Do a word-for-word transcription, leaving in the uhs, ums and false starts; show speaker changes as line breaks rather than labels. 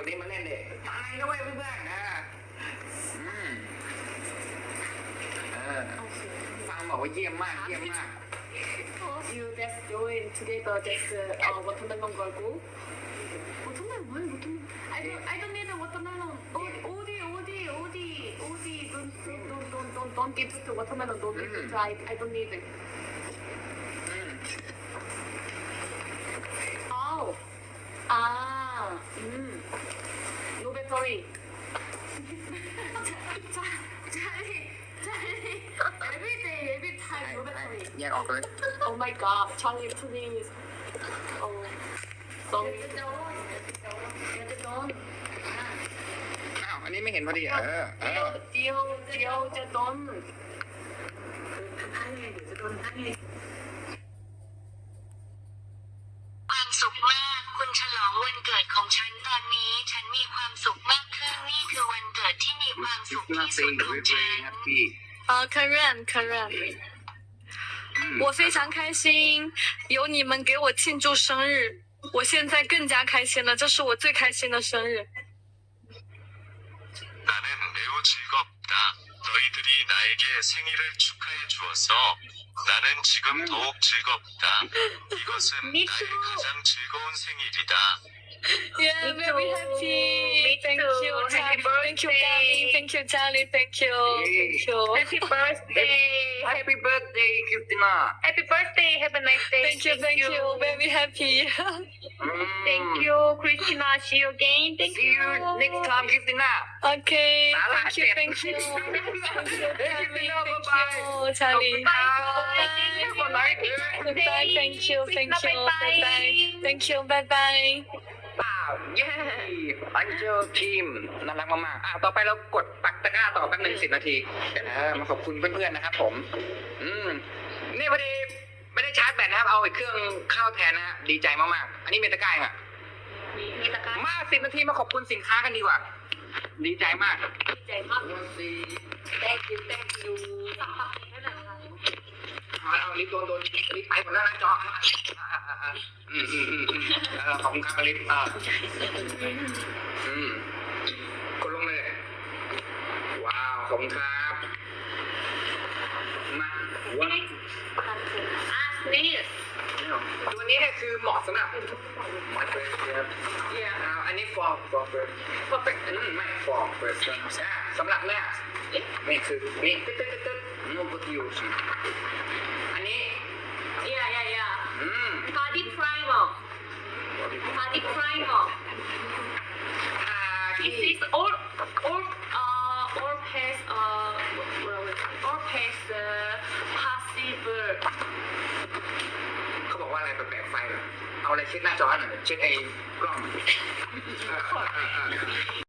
คนนี้มาเล่นเด็กตายแล้วเว้ยเพื่อนๆนะอืมเออฟังบอกว่าเยี่ยมมากเยี่ยมมาก
You just join together just uh, watermelon 걸고 watermelon 뭐야 watermelon I don't I don't need a watermelon 어디 어디 어디 어디 don't don't don't don't don't give to watermelon don't give to I I don't need it อ้าวอ่าอืม no battery Charlie Charlie every day every time no battery
แยกออกเลย
Oh my god, Charlie, please. Oh, sorry.
อ้าวอันนี้ไม่เห็นพอดีเออเออ
เดียวเดียวจะโดน
ความสุขมากคุณฉลองวันเกิดของฉันตอนนี้ฉันมีความสุขมากขึ้นนี่คือวันเกิดที่มีความสุขที่สุดของฉัน
啊，可认可认。我非常开心，有你们给我庆祝生日，我现在更加开心了，这是我最开心的生日。
나는 매우 즐겁다. 너희들이 나에게 생일을 축하해 주어서 나는 지금 더욱 즐겁다. 이것은 나의 가장 즐거운 생일이다.
Yeah, very happy. Thank you, Charlie. Thank you, Gary. Thank you, Charlie. Thank you. Thank you.
Happy birthday
Happy birthday คริสติน่า
Happy birthday Have a nice day
Thank you, thank you. Very happy.
Thank you Christina See you again Thank
See you next time คริสติน่า
Okay.
Salah
Thank you,
Cep.
thank you. Thank you,
Christina,
Charlie.
bye-bye.
Thank you, Charlie.
Bye.
Goodbye. Thank you, thank you. Bye bye. Thank you. Bye bye.
เปล่าเย้อันเจอทีมน่ารักมากๆอ่ะต่อไปเรากดปักตะกร้าต่อแป๊บหนึงสิบนาทีเดี๋ยวนะมาขอบคุณเพื่อนๆนะครับผม อืมนี่พอดีไม่ได้ชาร์จแบตนะครับ เอาอีกเครื่องเข้าแทนนะฮะดีใจมากๆ อันนี้เมตะกร้าอ่ะ
มีตะกร้า
มาสิบนาทีมาขอบคุณสินค้ากันดีกว่า ดีใจมาก
ดีใจมาก Thank you Thank you สักพักให้หน่อยค่ะ
เอาเอาลิฟต์โดนโดนลิฟต์ไปหมดแล้วนะจออ่ะอ่ะอ่ะอ่ะอืมอืมอืมอืมเออขอบคุณครับลิฟต์อ่าอืมกดลงเลยว้าวขอบคุณครับมาว้าว
อ่ะนี่
ตัวนี้เนี่ยคือเหมาะสำหรับมาเฟรชครับอ่าอันนี้ for for first perfect อืมไม่ for first อ่าสำหรับเนี่ยนี่คือนี่ตึ๊ดตึ๊ดตึ๊ดตึ๊ด no good use อันนี้
Yeah yeah yeah
อืม
Body primer Body primer
อ่า
This
ที่
is all all uh all past uh all past uh, possible
เขาบอกว่าอะไรแปลกๆไฟเหรอเอาอะไรเช็ดหน้าจอหน่อยเช็ดไอ้กล้องเออเออเออ